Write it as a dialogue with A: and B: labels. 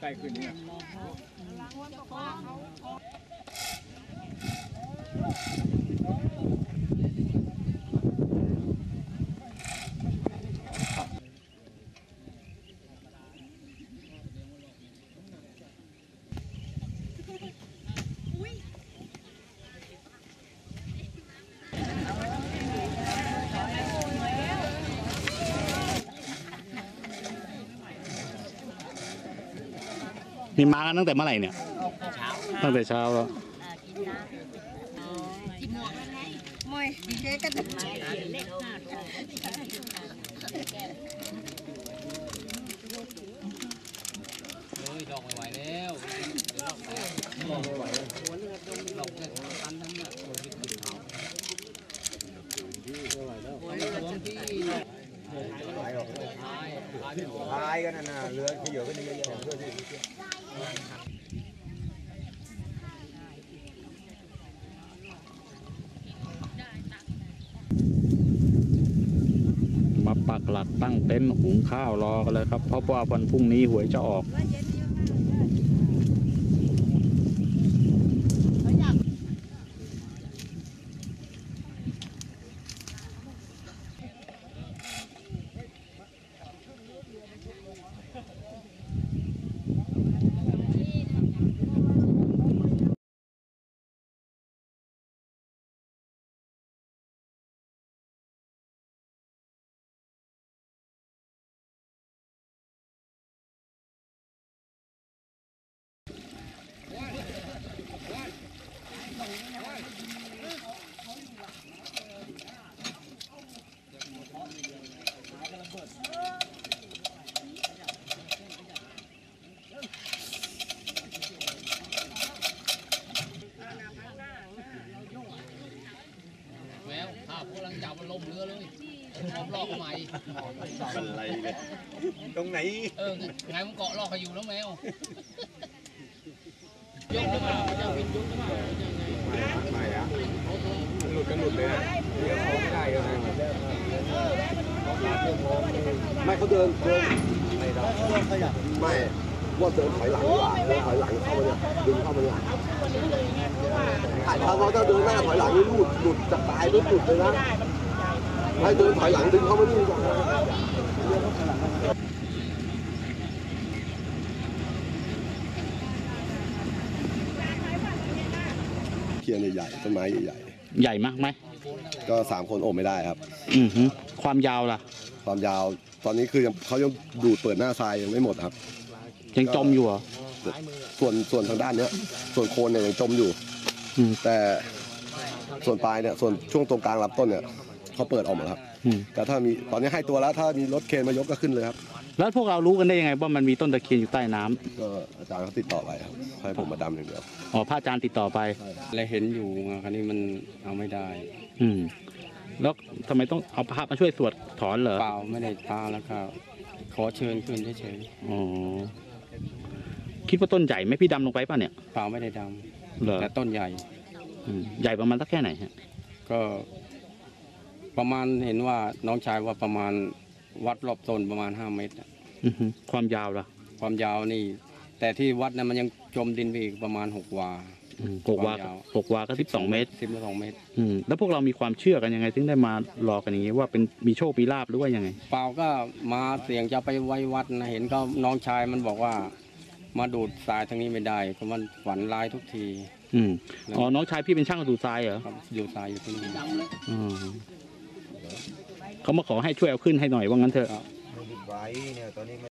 A: ล้ขึ้นเนี่ย
B: นี่มากันตั้งแต่เมื่อไหร่เนี่ยตั้งแต่เช้าแล้ว
C: กินหมวกแล้วไงมวยดีเจกัน
D: ดอกไม่ไหวแล้วดอกไม่ไหวดอกเนี่ยตันทั้งเนี่ยโอ้ยติดเขาไม่ไหวแล้ว
A: พายกันนะเรือที่เยอะก็เยอะๆเพื่อที่
B: มาปักหลักตั้งเต็นท์หุงข้าวรอกันเลยครับเพราะว่าวันพรุ่งนี้หวยจะออก
D: แมวข้าวพวกลังจับมันลมเรือเลยพร้อมลอกใหม่
A: อะไรเนี่ยตรงไหน
D: ไงมันเกาะลอกเขาอยู่แล้วแมวยกหรือเปล่าจะเป็นยกหรือเปล่า
A: ไม่อะหลุดกันหลุดเลยนะเลี้ยวเขาไม่ได้กันนะไม่เขาเดินไม่ได้ไม่ว่าเดินถอยหลังดีกว่าเดินถอยหลังเข้ามาเนี่ยดึงเข้ามาเนี่ยถ้าเราเดินหน้าถอยหลังนี่หลุดจะตายหลุดเลยนะให้เดินถอยหลังดึงเข้ามานี่ก่อนเทียนใหญ่ๆต้นไม้ใหญ่
B: ใหญ่มากไหม
A: ก็3 คนโอบไม่ได้ครับ
B: ความยาวล่ะ
A: ความยาวตอนนี้คือเขายังดูดเปิดหน้าทรายยังไม่หมดครับ
B: ยังจมอยู่เหรอ
A: ส่วนทางด้านนี้ส่วนโคนเนี่ยยังจมอยู่แต่ส่วนปลายเนี่ยส่วนช่วงตรงกลางลำต้นเนี่ยเขาเปิดออกมาครับแต่ถ้ามีตอนนี้ให้ตัวแล้วถ้ามีรถเคนมายกก็ขึ้นเลยครับ
B: แล้วพวกเรารู้กันได้ยังไงว่ามันมีต้นตะเคียนอยู่ใต้น้ำ
A: ก็อาจารย์เขาติดต่อไปครับให้ผมมาดำอย่างเดียว
B: อ๋อพระอาจารย์ติดต่อไป
D: และเห็นอยู่คราวนี้มันเอาไม่ได้
B: แล้วทำไมต้องเอาพระมาช่วยสวดถอนเหรอ
D: เปล่าไม่ได้พาแล้วก็ขอเชิญขึ้นเฉย
B: ๆอ๋อคิดว่าต้นใหญ่ไหมพี่ดำลงไปป่ะเนี่ย
D: เปล่าไม่ได้ดำแต่ต้นใหญ่
B: ใหญ่ประมาณสักแค่ไหนฮะ
D: ก็ประมาณเห็นว่าน้องชายว่าประมาณวัดรอบต้นประมาณ5 เมตร
B: ความยาวล่ะ
D: ความยาวนี่แต่ที่วัดนั้นมันยังจมดินไปอีกประมาณ6 วา
B: 6 วาก็12 เมตร
D: 12 เมตร
B: แล้วพวกเรามีความเชื่อกันยังไงถึงได้มารอกันอย่างนี้ว่าเป็นมีโชคมีลาภหรือว่ายังไง
D: เปล่าก็มาเสี่ยงจะไปไว้วัดนะเห็นก็น้องชายมันบอกว่ามาดูดทรายทางนี้ไม่ได้เพราะมันฝันร้ายทุกที
B: อ๋อน้องชายพี่เป็นช่างดูดทรายเหรอ
D: ดูดทรายอยู่ที่นี่
B: เขามาขอให้ช่วยเอาขึ้นให้หน่อยว่างั้นเถอะ